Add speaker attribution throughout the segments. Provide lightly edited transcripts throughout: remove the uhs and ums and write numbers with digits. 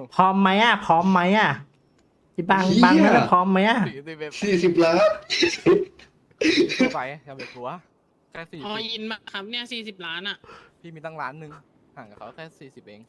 Speaker 1: พร้อมไหมอ่ะพร้อมไหมอ่ะที่บังนั่นน่ะพร้อมไหมอ่ะ
Speaker 2: 40 ล้าน
Speaker 3: ทั่วไปอย่าไปกลัวแค่
Speaker 4: ออิ
Speaker 3: 40
Speaker 4: นมาครับเนี่ย40 ล้านอ่ะ
Speaker 3: พี่มีตั้งล้านหนึ่งห่างกับเขาแค่40เอง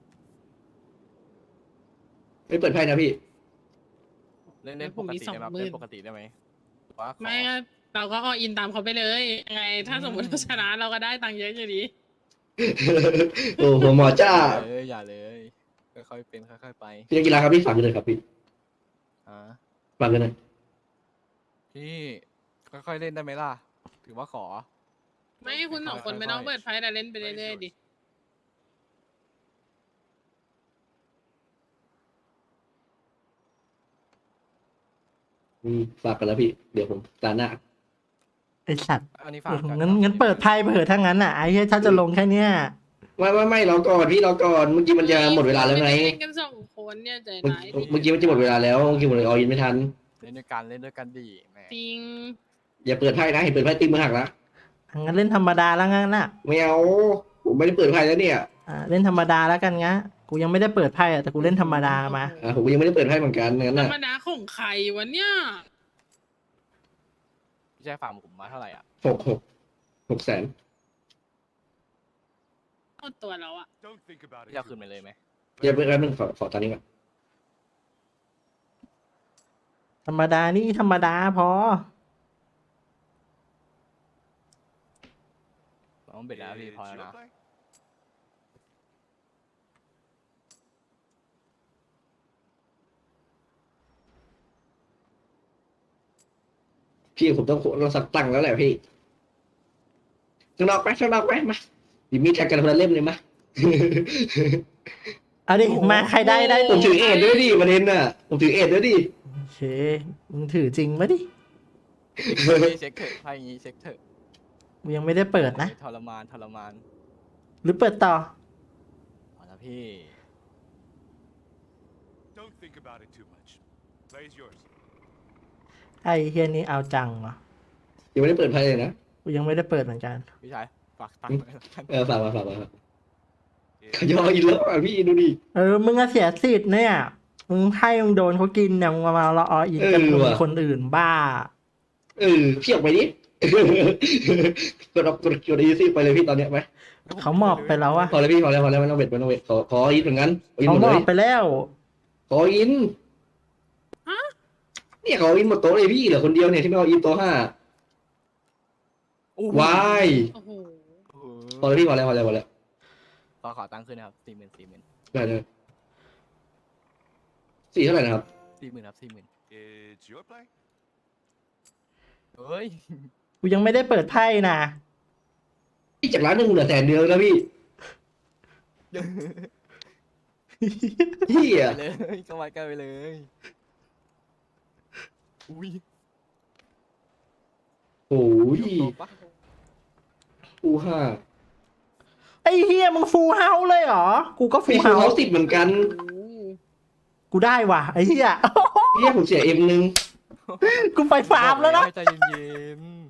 Speaker 2: ไม่เปิดไพ่นะพี่
Speaker 3: เล่นปกติได้ไหมเล่นปกติได้ไหมหรือว่าขอ
Speaker 4: ไม่ก็เราก็อินตามเขาไปเลยยังไงถ้าสมมติเราชนะเราก็ได้ตังค์เยอะอยู่ดี
Speaker 2: โอ้โหหมอจ้า
Speaker 3: อย่าเลยค่อยๆเป็นค่อยๆไป
Speaker 2: พี่นักกีฬาครับพี่ฝากกันเลยครับพี่
Speaker 3: อ่า
Speaker 2: ฝากกันหน่อย
Speaker 3: พี่ค่อยๆเล่นได้ไหมล่ะถือว่าขอ
Speaker 4: ไม่คุณสองคนไม่ต้องเปิดไฟแต่เล่นไปเรื่อยๆดิ
Speaker 2: ฝากกันแล้วพี่เดี๋ยวผมตาหน้า
Speaker 1: ไอสัตว์
Speaker 3: อันนี้ฝากกัน
Speaker 1: งั้นเปิดไพ่ไปเถอะถ้างั้นอ่ะไอ้เหี้ยถ้าจะลงแค่เนี้ย
Speaker 2: ไม่รอก่อนพี่รอก่อนเมื่อกี้มันจะหมดเวลาแล้วไง
Speaker 4: เล่นกัน2 คนเนี่ยใจร้ายดิ
Speaker 2: เมื่อกี้มันจะหมดเวลาแล้วเมื่อกี้หมดเลยออินไม่ทัน
Speaker 3: เล่นด้วยกันดีแหม
Speaker 4: จริง
Speaker 2: อย่าเปิดไพ่นะเห็นเปิดไพ่ตีมือหักนะ
Speaker 1: งั้นเล่นธรรมดาแล้วงั้นน่ะ
Speaker 2: ไม่เอาผมไม่ได้เปิดไพ่แล้วเนี่ย
Speaker 1: เล่นธรรมดาแล้วกันงั้นกูยังไม่ได้เปิดไพ่อะแต่กูเล่นธรรมดามา
Speaker 2: ผมยังไม่ได้เปิดไพ่เหมือนกันงั้น
Speaker 4: ธร
Speaker 2: น่ะ
Speaker 4: รมดาของใครวะเนี่ย
Speaker 3: พี่ชายฝากผมมาเท่าไหร่อ่ะ
Speaker 2: 6 แสน
Speaker 4: เอาตัวเราอะ
Speaker 3: พี่เอาคืนไปเลยไหม
Speaker 2: อย่าเปิดแป๊บนึงขอตอนนี้ก่อน
Speaker 1: ธรรมดานี่ธรรมดาพอ
Speaker 3: น้องเบ็ดแล้วพี่พอแล้วนะ
Speaker 2: พี่ผมต้องเราสักตังค์แล้วแหละพี่ข้างนอกไปมาดิมีแท็กกันคนละเล่มเลยมา
Speaker 1: เอาดิมาใครได้
Speaker 2: ผมถือเอ็ดด้วยดิประเด็นน่ะผมถือเอ็ดด้วยดิ
Speaker 1: โอเคมึงถือจริงปะดิ
Speaker 3: พี่เช็คเถอะไพ่งี้เช็คเถอะ
Speaker 1: กูยังไม่ได้เปิดนะ
Speaker 3: ทรมาน
Speaker 1: หรือเปิดต่อ
Speaker 3: เอาละพี่
Speaker 5: Don't think about it too much. Play is yours.
Speaker 1: ไอ้เฮียนี่เอาจังเหรอ
Speaker 2: ยังไม่ได้เปิดไพ่เลยนะ
Speaker 1: กูยังไม่ได้เปิดเหมือนกัน
Speaker 3: พี่ชายฝากตังค์ไว้แล้วกัน
Speaker 2: ฝากมาย่ออินแล้วอ่ะพี่ดูดิ
Speaker 1: มึงอะเสียสิทธิ์เนี่ยมึงให้มึงโดนเขากินเนี่ยมึงมาละออินกับมึงคนอื่นบ้า
Speaker 2: พี่ออกไปดิกดอีซี่ไปเลยพี่ตอนเนี้ยไป
Speaker 1: เขาหมอบไปแล้วอะ
Speaker 2: พอแล้วพี่พอแล้วไม่ต้องเบ็ดขออินเหมือนกันอิน
Speaker 1: เขา
Speaker 2: หมด
Speaker 1: หม
Speaker 2: เล
Speaker 1: อย บไปแล้ว
Speaker 2: ขออินเนี่ยขออินหมดโต๊ะเลยพี่เหลือคนเดียวเนี่ยที่ไม่เอาอินโต๊ะ5
Speaker 3: โอ้โห
Speaker 2: วาย
Speaker 4: โอ้โห
Speaker 2: พอแล้วพี่พอแล้ว
Speaker 3: ขอตังค์คืนนะครับ40,000
Speaker 2: ได้4เท่าไหร่นะครับ
Speaker 3: 40,000ครับ40,000
Speaker 5: It's your play.
Speaker 3: เฮ้ย
Speaker 1: กูยังไม่ได้เปิดไพ่นะ
Speaker 2: พี่จากร้านหนึ่งเหลือ100,000เดียวแล้วพี่พี่
Speaker 3: ไป
Speaker 2: อ่ะ
Speaker 3: เลยก็ไว้กันไปเลยอุ้ย
Speaker 2: โอ้ย
Speaker 3: ยกโต๊ะปะ
Speaker 2: ฟูห้า
Speaker 1: ไอ้เฮียมึงฟูลเฮาส์เลยเหรอ กูก็ฟู
Speaker 2: พี่
Speaker 1: ล
Speaker 2: ฟู
Speaker 1: เฮา
Speaker 2: เขา
Speaker 1: ส์
Speaker 2: 10เหมือนกัน
Speaker 1: กูได้ว่ะไอ้เฮีย
Speaker 2: พี่ผมเสียเอ็มนึง
Speaker 1: กูไปฟาร์มแล้วนะ
Speaker 3: ใจเย็น